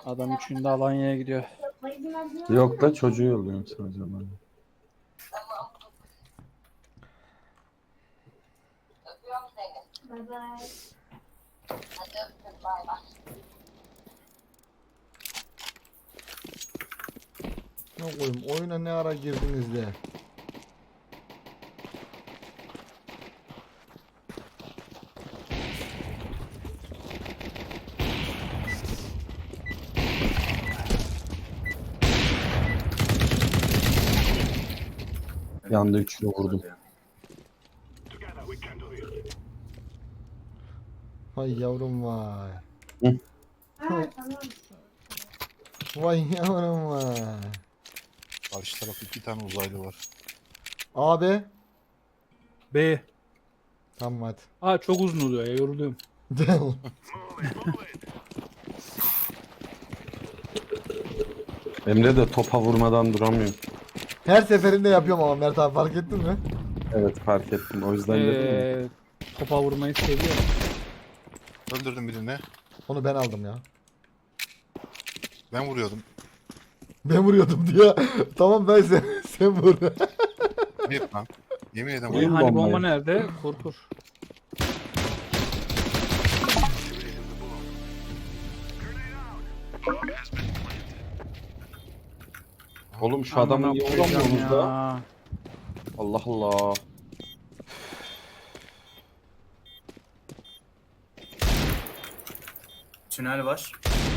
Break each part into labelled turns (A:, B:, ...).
A: Adam üçünde Alanya'ya gidiyor.
B: Yok da çocuğu yolluyorum sadece ben.
C: Bye bye.
D: Ne koyayım, oyuna ne ara girdiniz de.
B: Yanda üçlü vurdum.
D: Vay yavrum vay.
C: Ha tamam.
D: Vay yavrum vay.
E: Karşı tarafta 2 tane uzaylı var.
D: Abi.
A: B.
D: Tamam hadi.
A: Aa çok uzun oluyor ya, yoruluyorum.
B: Emre de topa vurmadan duramıyor.
D: Her seferinde yapıyorum ama Mert abi, fark ettin mi?
B: Evet fark ettim. O yüzden dedim ya.
A: Topa vurmayı seviyor.
E: Öldürdüm birini.
D: Onu ben aldım ya.
E: Ben vuruyordum.
D: Ben vuruyordum diye. Tamam ben sen vur.
E: Ne yapmam? Yemin ederim
B: Oyun
E: vuruyordum.
A: Hani bomba
B: bombayı.
A: nerede? Kur.
B: Oğlum şu adamı
A: Amına
B: niye
A: koyacağım
B: vuramıyorsunuz da?
A: ya.
B: Allah Allah.
F: Tünel var.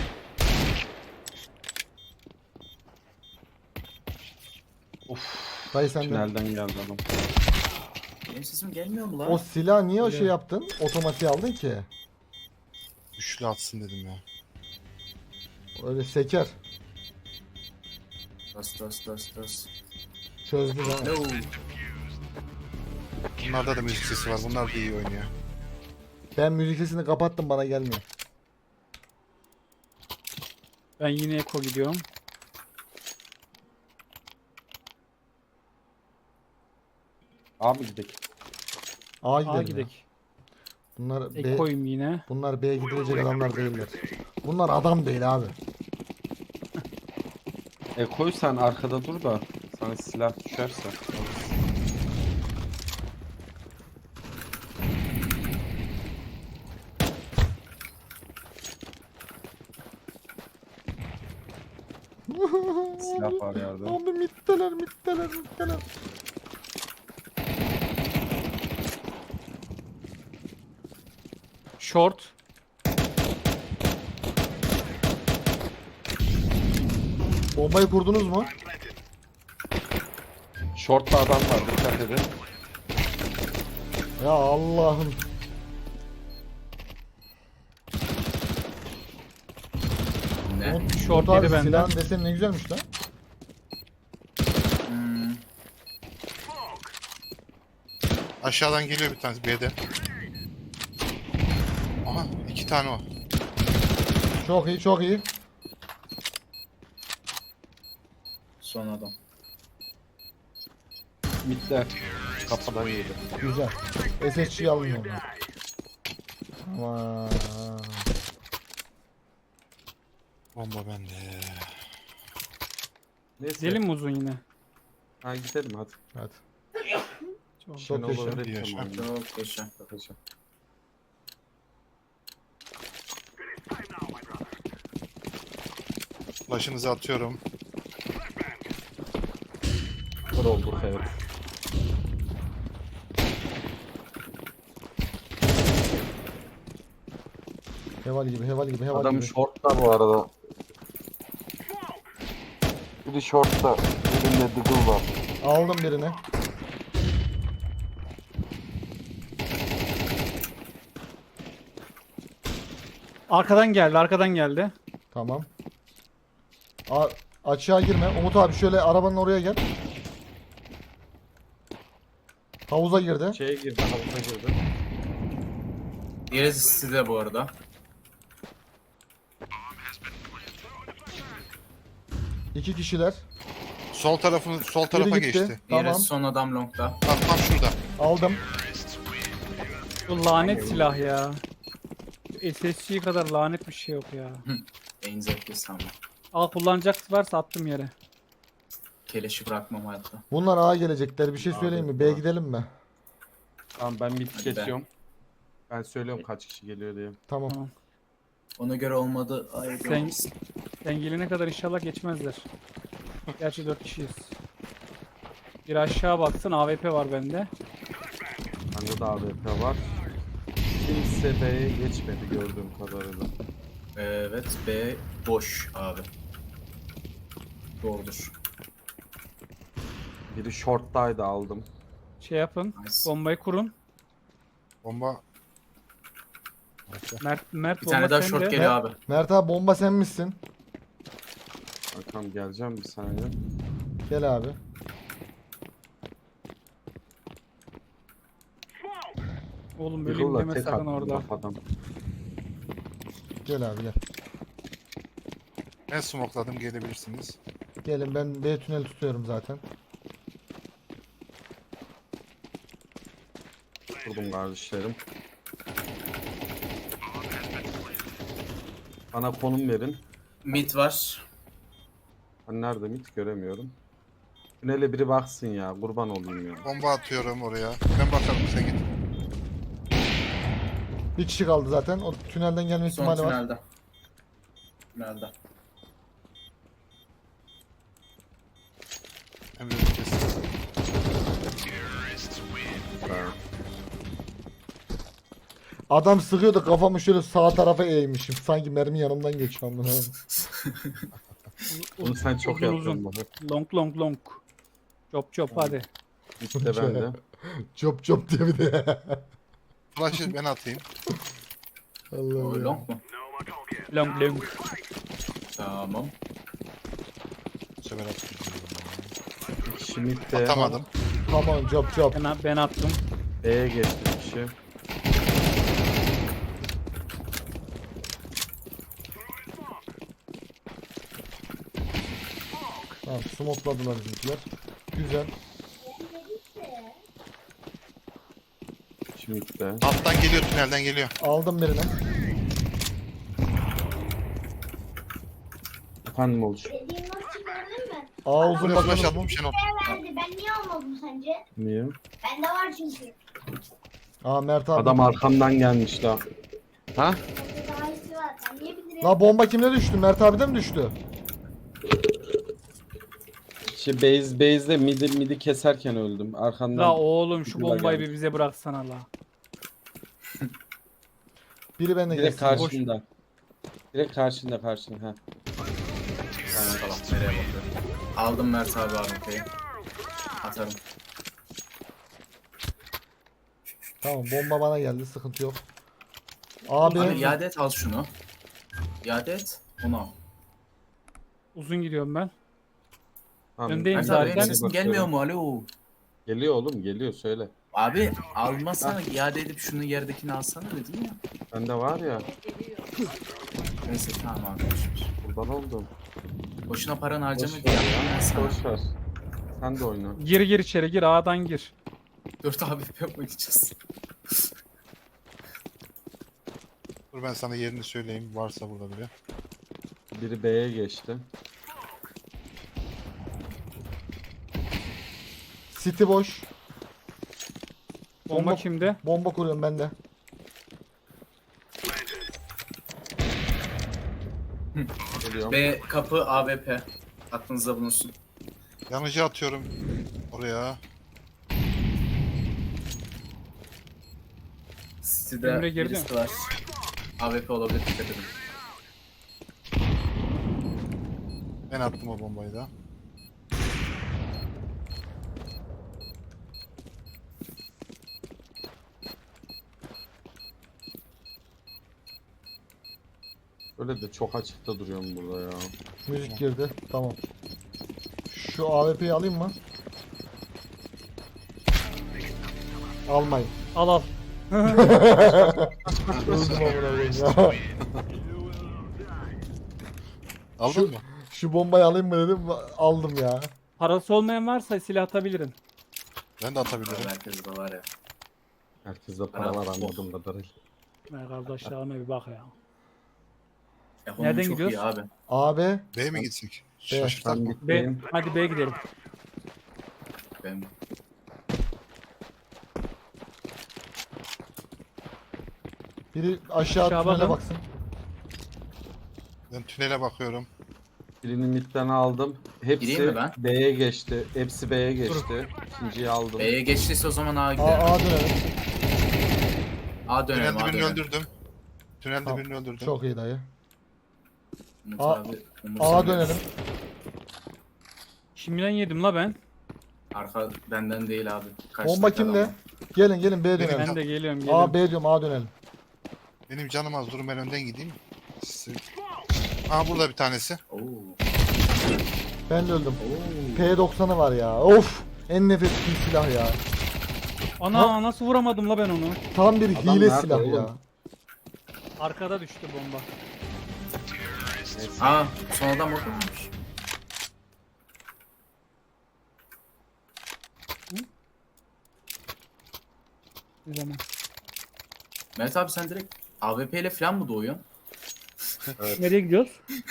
D: Dayı sen de.
B: Tünelden geldi adam.
F: Benim sesim gelmiyor mu lan?
D: O silah niye o şey yaptın? Otomatiğe aldın ki.
E: Üçlü atsın dedim ya.
D: Öyle seker.
F: Das.
D: Çözdü lan.
F: Hello.
E: Bunlarda da müzik sesi var. Bunlar da iyi oynuyor.
D: Ben müzik sesini kapattım, bana gelmiyor.
A: Ben yine Eko gidiyorum.
B: Abi gidelim.
D: A
A: A
D: gidelim. ya.
A: gidek.
D: Bunlar B,
A: Eko'yum yine.
D: bunlar B'ye gidilecek adamlar değiller. Bunlar adam değil abi.
B: Koy sen arkada dur da sana silah düşerse. Silah var yerde.
D: Abi mitteler.
A: Short.
D: Bombayı kurdunuz mu?
B: Short'ta adam var, dikkat edin.
D: Ya Allah'ım.
F: Ne?
A: Short
D: Abi
A: yedi benden.
D: silahın deseni ne güzelmiş lan.
F: Hmm.
E: Aşağıdan geliyor bir tanesi B'de. Aha 2 tane o.
D: Çok iyi.
F: Son adam.
B: Mid'de. Kapıdan yedi.
D: Güzel. SSG'yi alın oradan. Aman.
E: Bomba bende.
B: Neyse.
A: Gidelim mi uzun yine?
B: Ha gidelim hadi.
D: Hadi.
A: Çok.
D: Çok
B: Ben
D: yaşa.
B: olabilir
E: Yaşa.
B: tamam.
F: Çok yaşa.
B: Bakacağım.
E: Flash'ınızı atıyorum.
B: Kır olduk evet.
D: Heval gibi.
B: Adam
D: gibi.
B: short'ta bu arada. Biri short'ta, birinde diggle var.
D: Aldım birini.
A: Arkadan geldi.
D: Tamam. Açığa girme. Umut abi şöyle arabanın oraya gel. Havuza girdi.
B: Şeye girdi, havuza girdi.
F: Diğeri size bu arada.
D: İki kişiler.
E: Sol tarafa
D: gitti.
E: geçti.
F: Diğeri
D: Tamam.
F: son adam longda.
E: Tam şurada.
D: Aldım.
A: Bu lanet silah ya. SSG kadar lanet bir şey yok ya.
F: En zevklisi ama.
A: Al kullanacak varsa attım yere.
F: Keleşi bırakmam hayatta.
D: Bunlar A gelecekler. Bir şey söyleyeyim mi? B'ye gidelim mi?
B: Tamam ben mid
F: Hadi be.
B: kesiyorum. Ben söylüyorum kaç kişi geliyor diye.
D: Tamam.
A: Tamam.
F: Ona göre olmadı. Ay,
A: Sen, sen gelene kadar inşallah geçmezler. Gerçi 4 kişiyiz. Bir aşağı baksın, AWP var bende.
B: Bende de AWP var. Kimse B'ye geçmedi gördüğüm kadarıyla.
F: Evet, B boş abi. Doğrudur.
B: Biri short'taydı aldım.
A: Şey yapın,
F: Nice.
A: bombayı kurun.
E: Bomba.
A: Mert
F: Bir
A: bomba
F: tane daha
A: sende.
F: short geliyor abi.
D: Mert abi bomba sen misin?
B: Bakalım geleceğim bir saniye.
D: Gel abi.
A: Oğlum öleyim
B: Yıkılla
A: deme
B: tek
A: sakın
B: attım
A: orada.
B: kafadan.
D: Gel abi gel.
E: Ben smokladım, gelebilirsiniz.
D: Gelin ben B tünel tutuyorum zaten.
B: Vurdum kardeşlerim. Bana konum verin.
F: Mid var.
B: Ben nerede mid göremiyorum. Tünele biri baksın ya kurban olayım ya.
E: Bomba atıyorum oraya. Ben bakarım, sen git.
D: Bir kişi kaldı zaten. O tünelden gelme
F: Son
D: ihtimali var.
F: tünelde. Tünelde.
E: Hem de kesin.
D: Adam sıkıyordu kafamı şöyle sağ tarafa eğmişim. Sanki mermi yanımdan geçiyor amına.
B: Bunu sen çok
A: Uzun
B: yaptın
A: uzun.
B: baba.
A: Long long long. Chop chop hadi.
B: İşte ben de.
D: Çop çop diye bir de.
E: Flash'ı ben atayım.
F: O
D: Allah'ım ya.
F: long mu?
A: Long long.
F: Tamam.
E: Bu sefer atayım.
B: Şimdi de
E: Atamadım.
D: Tamam çop çop.
A: Ben attım.
B: B'ye geçti bir kişi.
D: Tamam smokladılar bizimkiler. Güzel.
B: Şimdi de.
E: Alttan geliyor, tünelden geliyor.
D: Aldım birini.
B: Efendim olur.
C: Dediğim nasıl gördün mü?
D: A uzun
E: Buraya flash
D: bakalım.
E: attım Şenol.
C: Verdi. Ben niye almadım sence?
B: Niye?
C: Bende var çünkü.
D: Aa Mert abi.
B: Adam arkamdan gelmiş la. Ha?
C: Bende daha iyisi var. Ben niye bilirim?
D: La bomba kimde düştü? Mert abide mi düştü?
B: Base'de midi keserken öldüm. Arkandan.
A: La oğlum şu
B: Yıla
A: bombayı
B: gelmiş.
A: bir bize bıraksana la.
D: Biri bende
B: Direkt
D: gelsin.
B: karşında. Direkt karşında. Ha.
F: Tamam, nereye bakıyor? Aldım Mert abi AWP'yi. Atarım.
D: Tamam bomba bana geldi sıkıntı yok. Abi,
F: Abi iade et, al şunu. İade et. Onu al.
A: Uzun gidiyorum ben.
B: Tamam,
A: Öndeyim
F: Mert
B: ben
F: abi
A: zaten.
F: benim
B: de
F: sesim
B: bakıyorum.
F: gelmiyor mu? Alo.
B: Geliyor oğlum geliyor söyle.
F: Abi almasana, iade edip şunu yerdekini alsana dedim ya.
B: Bende var ya.
F: Neyse tamam arkadaşlar.
B: Kurban oldum.
F: Boşuna paranı
B: Boş
F: harcama
B: ver
F: diye yaptım ben
B: ya.
F: sana.
B: Boş ver. Sen de oyna.
A: Gir içeri gir A'dan gir.
F: 4 abi yapmayacağız.
E: Dur ben sana yerini söyleyeyim, varsa burada biri.
B: Biri B'ye geçti.
D: City boş.
A: Bomba kimde?
D: Bomba kuruyorum ben de.
B: Geliyorum.
F: B kapı AWP. Aklınızda bulunsun.
E: Yanıcı atıyorum oraya.
F: City'de
A: Emre girdi
F: birisi var. AWP olabilir, dikkat edin.
E: Ben attım o bombayı da.
B: Öyle de çok açıkta duruyorum burada ya.
D: Müzik girdi. Tamam. Şu AWP'yi alayım mı? Almayın.
A: Al al.
D: Öldüm amına koyayım ya.
E: Aldın mı?
D: Şu bombayı alayım mı dedim aldım ya.
A: Parası olmayan varsa silah atabilirim.
E: Ben de atabilirim.
F: Herkes de var ya.
B: Herkeste para var anladığım kadarıyla.
A: Ya kardeşlerime bir bak ya.
F: Ekonomi
A: Nereden
F: çok
A: gidiyoruz?
F: iyi abi.
D: AB.
E: B'ye mi gitsek?
D: B.
E: Şaşırtak
B: Ben
E: mı?
A: B.
B: gitmeyeyim.
A: Hadi B'ye gidelim.
F: Ben
D: Biri aşağı
A: Aşağı
D: tünele
A: bakın.
D: baksın.
E: Ben tünele bakıyorum.
B: Birini midden aldım.
F: Gireyim
B: Hepsi
F: mi ben?
B: B'ye geçti. Hepsi B'ye geçti. İkinciyi aldım.
F: B'ye geçtiyse o zaman A'ya
D: A,
F: gidelim.
D: A dönelim.
F: A dönelim,
E: Tünelde
F: A
E: birini
F: dönelim.
E: öldürdüm. Tünelde
D: Tamam.
E: birini öldürdüm.
D: Çok iyi dayı.
F: Umut
D: A-
F: abi, Umut
D: A
F: abi.
D: dönelim.
A: Şimdiden yedim la ben.
F: Arka benden değil abi. Kaç
D: Bomba
F: dakika
D: kimde?
F: ama.
D: Gelin B dönelim.
A: Ben de geliyorum.
D: A
A: geliyorum.
D: B diyorum A dönelim.
E: Benim canım az. Durun ben önden gideyim. Aa burada bir tanesi.
F: Oo.
D: Ben de öldüm.
F: Oo.
D: P90'ı var ya. Of. En nefret ettiğim silah ya.
A: Ana nasıl vuramadım la ben onu?
D: Tam bir
B: Adam
D: hile
B: nerede
D: silah
B: oğlum?
D: ya.
A: Arkada düştü bomba.
B: Neyse.
F: Aa, son adam orada mıymış?
A: Bir zaman.
F: Mehmet abi sen direkt AWP ile falan mı doğuyorsun?
A: Nereye gidiyoruz?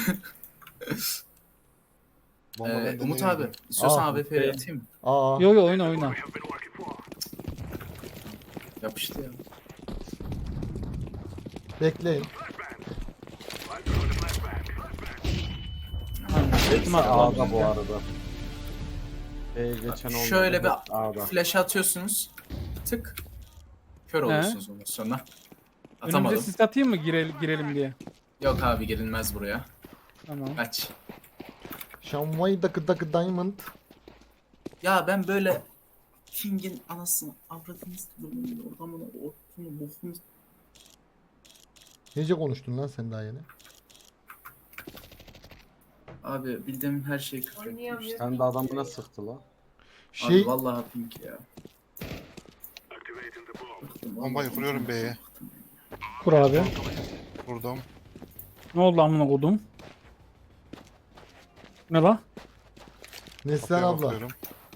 E: Bomba bende
F: Umut
E: değil.
F: abi, istiyorsan
D: Aa,
F: AWP'ye atayım mı?
D: Aa.
A: Yo yo oyna oyna.
F: Yapıştı ya.
D: Bekleyin.
B: Hepsi
A: Atma,
B: A'da bu arada. B'ye geçen olmadı.
F: Şöyle bir
B: Hepsi A'da.
F: flash atıyorsunuz. Tık. Kör oluyorsunuz ondan sonra.
A: Önümüze
F: Atamadım.
A: sis atayım mı girelim diye.
F: Yok abi girilmez buraya.
A: Tamam.
F: Kaç.
D: Şanvay dakı diamond.
F: Ya ben böyle King'in anasını avradınız ortamını ortamını bokunu.
D: Nece konuştun lan sen daha yeni?
F: Abi bildiğim her şeyi küfür etmiş.
B: Sen de adamına sıktı la.
D: Şey
F: Abi vallahi pink ya.
E: Bombayı kuruyorum B'ye.
A: Kur abi.
E: Vurdum.
A: Ne oldu amına kodum? Ne la?
D: Neslihan
E: B'ye
D: abla.
E: bakıyorum.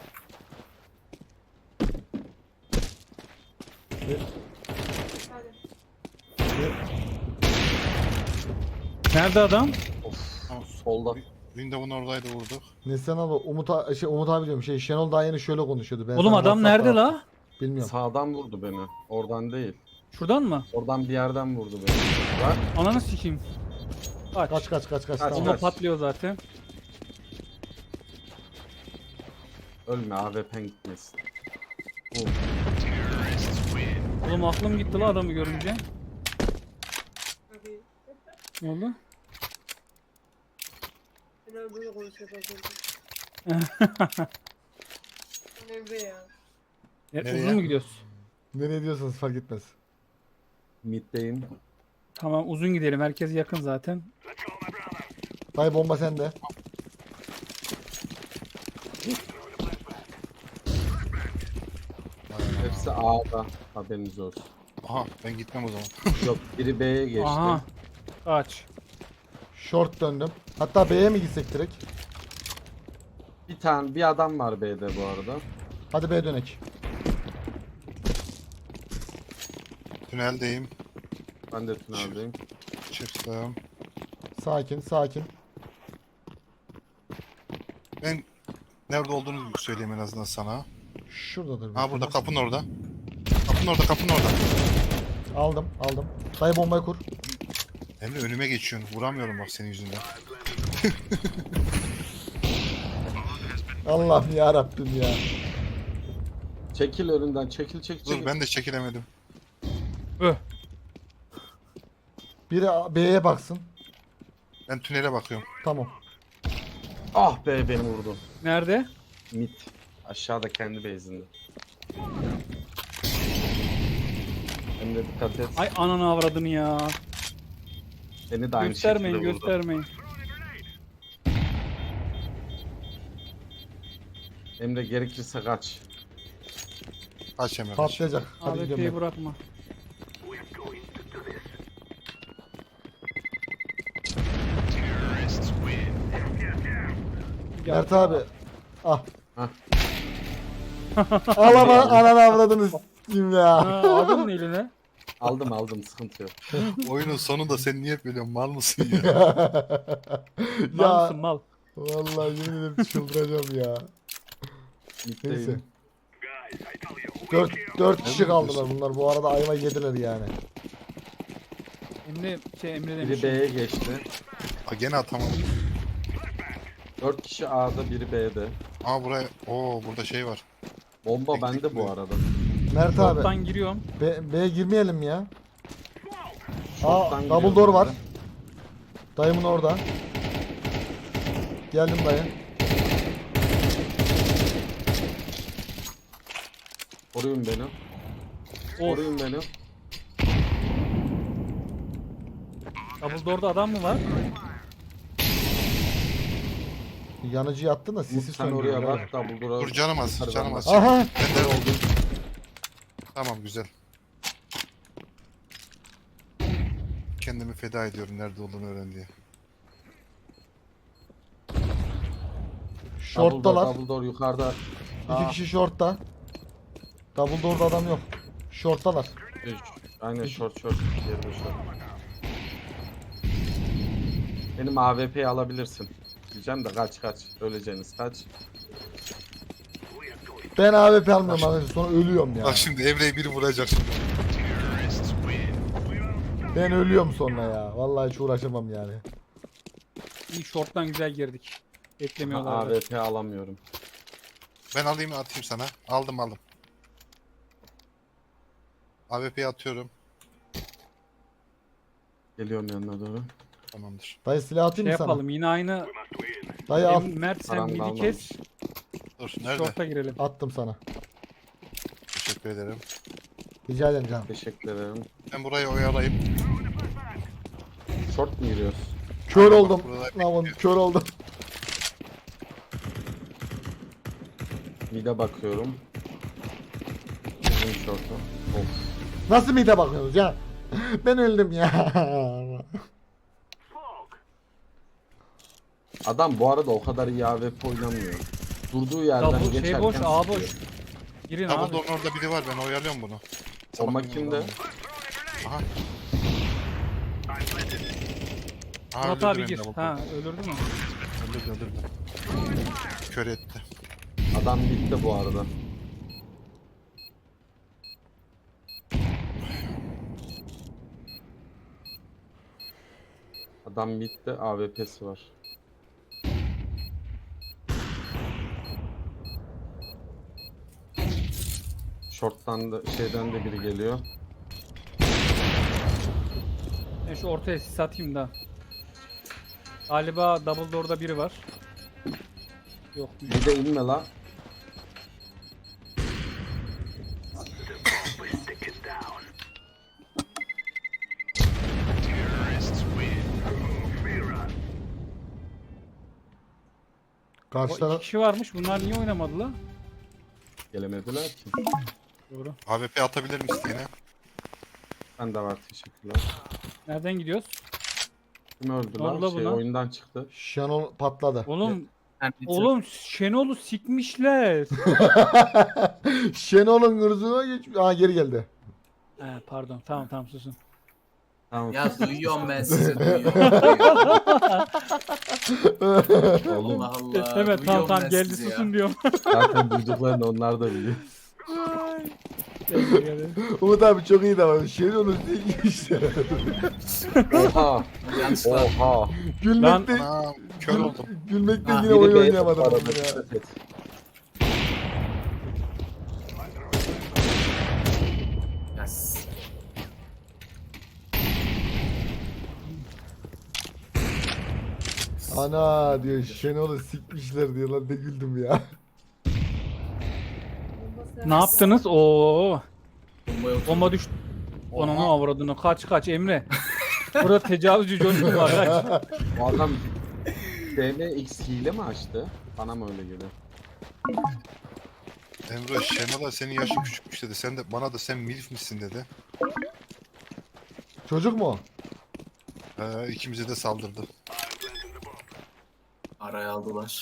A: Nerede adam?
B: Solda.
E: Windows'un oradaydı vurduk.
D: Neslihan abla Umut abi diyorum Şenol daha yeni şöyle konuşuyordu. Ben
A: Oğlum
D: sana
A: adam
D: WhatsApp'tan
A: nerede
D: attım.
A: la?
D: Bilmiyorum.
B: Sağdan vurdu beni. Oradan değil.
A: Şuradan mı?
B: Oradan bir yerden vurdu beni. Bak.
A: Ananı sikeyim. Kaç.
D: Kaç.
B: Kaç,
D: Tamam.
A: Bomba
B: kaç.
A: patlıyor zaten.
B: Ölme AWP'n gitmesin.
A: Oğlum aklım gitti la adamı görünce. Ne oldu?
G: Ben böyle konuşuyor bazen. Emre ya.
E: Nereye?
A: Uzun mu gidiyoruz?
D: Nereye diyorsanız fark etmez.
B: Mid'deyim.
A: Tamam uzun gidelim. Herkes yakın zaten.
D: Dayı bomba sende.
B: Hepsi A'da. Haberiniz olsun.
E: Aha ben gitmem o zaman.
B: Yok biri B'ye geçti.
A: Aha. Kaç.
D: Short döndüm. Hatta B'ye mi gitsek direkt?
B: Bir adam var B'de bu arada.
D: Hadi B'ye dönek.
E: Tüneldeyim.
B: Ben de tüneldeyim.
E: Çıktım.
D: Sakin.
E: Ben nerede olduğunu söyleyeyim en azından sana.
D: Şuradadır.
E: Ha
D: bir
E: burada
D: tane.
E: kapının orada. Kapının orada.
D: Aldım. Dayı bombayı kur.
E: Emre önüme geçiyorsun. Vuramıyorum bak senin yüzünden.
D: Allah'ım ya Rabbim ya.
B: Çekil önünden. Çekil.
E: Dur ben de çekilemedim.
A: Öh.
D: Biri B'ye baksın.
E: Ben tünele bakıyorum.
D: Tamam.
B: Ah be beni vurdu.
A: Nerede?
B: Mid. Aşağıda kendi base'inde. Hem de dikkat et.
A: Ay ananı avradını ya.
B: Beni de aynı
A: Göstermeyin
B: şekilde vurdu.
A: göstermeyin.
B: Emre gerekirse kaç.
E: Kaç Emre kaç.
D: Patlayacak. Hadi gidiyorum
A: AWP'yi
D: ben.
A: bırakma.
D: Mert abi. Ah.
B: Hah.
D: Al ama ananı avradınız. Kim ya?
A: Ha, aldın mı eline?
B: Aldım sıkıntı yok.
E: Oyunun sonunda sen niye böyle mal mısın ya?
A: Mal
D: Ya
A: mısın mal?
D: vallahi yemin ederim çıldıracağım ya. Neyse.
B: Middeyim.
D: 4 kişi kaldılar bunlar. Bu arada ayva yediler yani.
A: Emre
B: Biri
A: demiş.
B: B'ye geçti.
E: Ha, gene atamadım.
B: 4 kişi A'da, biri B'de.
E: Ama buraya burada şey var.
B: Bomba bende bu arada.
D: Mert abi
A: Short'tan giriyorum.
D: B'ye girmeyelim mi ya? Aa
B: Short'tan
D: double
B: giriyorum
D: door
B: ben
D: var.
B: de.
D: Dayımın orada. Geldim dayı.
B: Koruyun beni. Koruyun beni.
A: Double door'da adam mı var?
D: Yanıcıyı attın da
B: Umut
D: sisi
B: sen
D: söndü.
B: oraya bak da buldur.
E: Dur canım az. Canım az.
D: Aha.
E: Ben de oldu. Tamam güzel. Kendimi feda ediyorum nerede olduğunu öğren diye.
D: Short'talar.
B: Double door yukarıda.
D: 2 kişi short'ta. Double door'da adam yok. Short'talar.
B: Aynen short. Diğeri de short. Benim AWP'yi alabilirsin. Diyeceğim de kaç. Öleceğiniz kaç.
D: Ben AWP almıyorum arkadaşlar. Sonra ölüyorum ya.
E: Bak şimdi Emre'yi biri vuracak şimdi.
D: Ben ölüyorum sonra ya. Vallahi hiç uğraşamam yani.
A: İyi short'tan güzel girdik. Beklemiyorlar.
B: AWP alamıyorum.
E: Ben alayım atayım sana. Aldım. AWP'yi atıyorum.
B: Geliyorum yanına doğru.
E: Tamamdır.
D: Dayı silah atayım
A: Şey
D: mı sana?
A: yapalım yine aynı.
D: Dayı al.
A: Mert sen
B: Param
A: midi
B: kalmamış.
A: kes.
E: Dur nerede?
A: Short'a girelim.
D: Attım sana.
E: Teşekkür ederim.
D: Rica ederim canım.
B: Teşekkür ederim.
E: Ben burayı oyalayayım.
B: Short mu giriyoruz?
D: Kör oldum.
E: burada
D: Lan kör oldum.
B: Mid'e bakıyorum. Bizim short'u. Of.
D: Nasıl mide bakıyorsunuz ya? Ben öldüm ya.
B: Adam bu arada o kadar iyi AWP oynamıyor. Durduğu yerden
A: Double
B: geçerken
A: şey boş, A
B: sıkıyor.
A: boş. Girin
E: Double
A: abi.
E: door'un orada biri var ben oyalıyorum bunu.
B: Bomba kimde?
E: Aha. Aha
A: Murat
E: öldürdü
A: abi
E: beni
A: gir.
E: double
A: Ha
E: door.
A: öldürdü mü?
E: Öldürdü. Kör etti.
B: Adam bitti bu arada. Adam bitti, AWP'si var. Short'tan da şeyden de biri geliyor.
A: Ben şu ortaya sis atayım da. Galiba double door'da biri var. Yok.
B: Bir de inme la.
D: Karşı
A: O
D: taraf.
A: 2 kişi varmış. Bunlar niye oynamadı la?
B: Gelemediler ki.
A: Doğru.
E: AWP atabilir misin yine?
B: Ben de var, teşekkürler.
A: Nereden gidiyoruz?
B: Kim öldü
A: Ne oldu
B: lan? Şey
A: buna?
B: oyundan çıktı.
D: Şenol patladı.
A: Oğlum Şenol'u sikmişler.
D: Şenol'un ırzına geç. Aa geri geldi.
A: He pardon. Tamam susun.
B: Tamam.
F: Ya duyuyorum ben sizi duyuyorum.
B: Oğlum
F: Allah Allah.
A: Evet
F: duyuyorum
A: tamam
F: ben
A: geldi
F: sizi ya.
A: susun diyorum.
B: zaten duyduklarını onlar da biliyor.
A: Geldi, geldi.
D: Umut abi çok iyi davranıyor. Şenol'un işte.
B: Oha.
F: Yanlışlıkla.
B: Oha.
D: Gülmekten,
E: Anam kör oldum.
D: gülmekten
F: Ha,
D: yine
B: Biri
D: oyun
B: B'de
D: oynayamadım
B: bu arada,
D: ben ya.
B: dikkat et.
F: Yes.
D: Ana diyor Şenol'u sikmişler diyor lan ne güldüm ya.
A: Ne yaptınız? Oo.
F: Bomba yok.
A: Bomba düştü.
E: Oha.
A: Ananı avradını kaç Emre. Burada tecavüzcü çocuk var kaç.
B: Bu adam DMX hile mi açtı? Bana mı öyle geliyor?
E: Emre Şenol'a senin yaşın küçükmüş dedi. Sen de bana da sen milf misin dedi.
D: Çocuk mu? o?
E: İkimize de saldırdı.
F: Araya aldılar.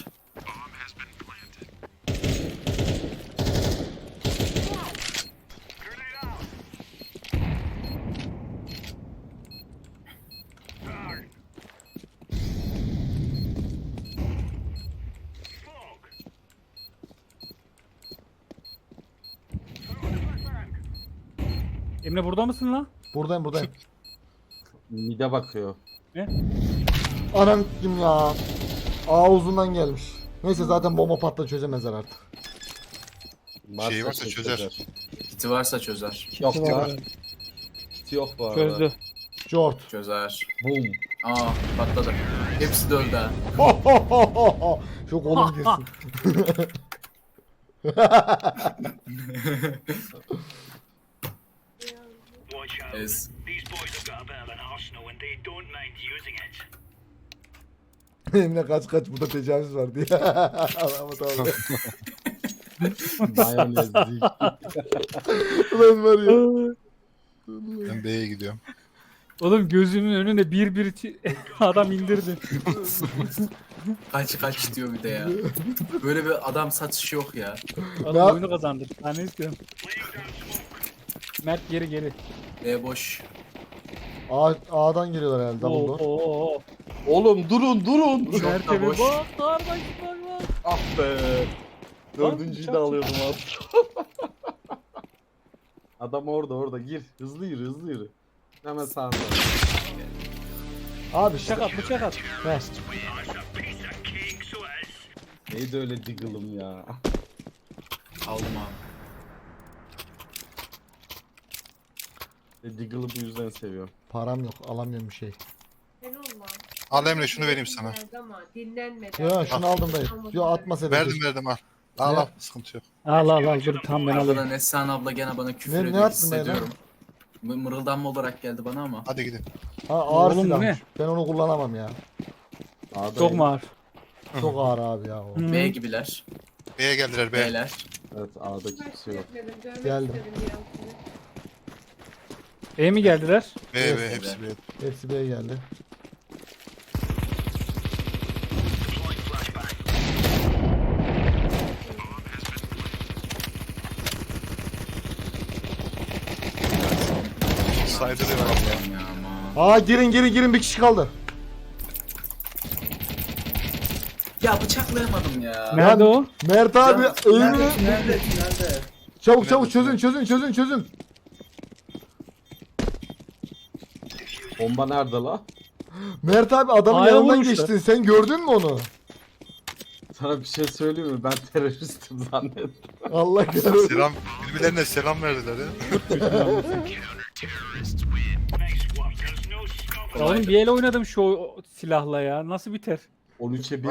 A: Emre burada mısın lan?
D: Buradayım.
B: Mide bakıyor.
D: Anam kim ya? A uzundan gelmiş. Neyse zaten bomba patla çözemezler artık.
E: Şey varsa çözer.
F: Kiti varsa çözer.
B: Yok
A: Var.
B: ya. Kit yok bu arada.
A: Çözdü.
D: Jort.
F: Çözer.
B: Boom.
F: Aa patladı. Hepsi de öldü ha.
D: Şu kolum girsin.
F: Ez.
D: Emre kaç burada tecavüz var diye. Allah'ım tamam.
B: Mayonezlik.
D: Ulan var ya.
E: Ben B'ye gidiyorum.
A: Oğlum gözümün önünde bir adam indirdi.
F: Kaç diyor bir de ya. Böyle bir adam satışı yok ya.
A: Adam oyunu kazandı. Ben ne istiyorum? Mert geri.
F: Boş.
D: A'dan geliyorlar herhalde double door.
A: Oo.
B: Oğlum durun.
F: Çok da
A: Mert'e
F: boş.
A: bak. Kardeş bak.
B: Ah be. Dördüncüyü de alıyordum abi. Adam orada gir. Hızlı yürü. Hemen sağında.
D: Abi işte.
A: Bıçak at.
D: Ver.
B: Neydi öyle diggle'ım ya.
F: Aldım abi.
B: Diggle'ı bu yüzden seviyorum.
D: Param yok alamıyorum bir şey.
G: Sen olma.
E: Al Emre şunu vereyim sana.
G: Ama dinlenmeden.
D: Ya şunu aldım dayı. Yo atmasaydım.
E: Verdim al. Al sıkıntı yok.
A: Al dur tam ben alayım.
F: Arkadan Neslihan abla gene bana küfür
D: Ne
F: ediyor
D: yaptın ben
F: hissediyorum. Mırıldanma olarak geldi bana ama.
E: Hadi gidin.
D: Ha ağır
A: Oğlum bu
D: silahmış.
A: ne?
D: Ben onu kullanamam ya.
A: Çok mu ağır?
D: Çok ağır abi ya o.
A: Hı.
F: B gibiler.
E: B'ye geldiler B.
F: B'ler.
B: Evet A'da kimse yok.
G: Görmek
D: Geldim.
G: istedim ya seni.
A: E mi geldiler?
E: B
D: Evet.
E: hepsi B.
D: Hepsi B'ye geldi.
E: Saydırıyor abla.
F: Ya ama.
D: Aa girin bir kişi kaldı.
F: Ya bıçaklayamadım ya.
A: Nerede o?
D: Mert abi eğimini.
F: Nerede?
D: Çabuk çözün.
B: Bomba nerede la?
D: Mert abi adamın
A: A'ya
D: yanından
A: vurmuşlar.
D: geçtin. Sen gördün mü onu?
B: Sana bir şey söyleyeyim mi? Ben teröristim zannettim.
D: Allah kahretsin.
E: Selam. Birbirlerine selam verdiler ya.
A: Ya oğlum bir el oynadım şu silahla ya. Nasıl biter?
B: 13'e 1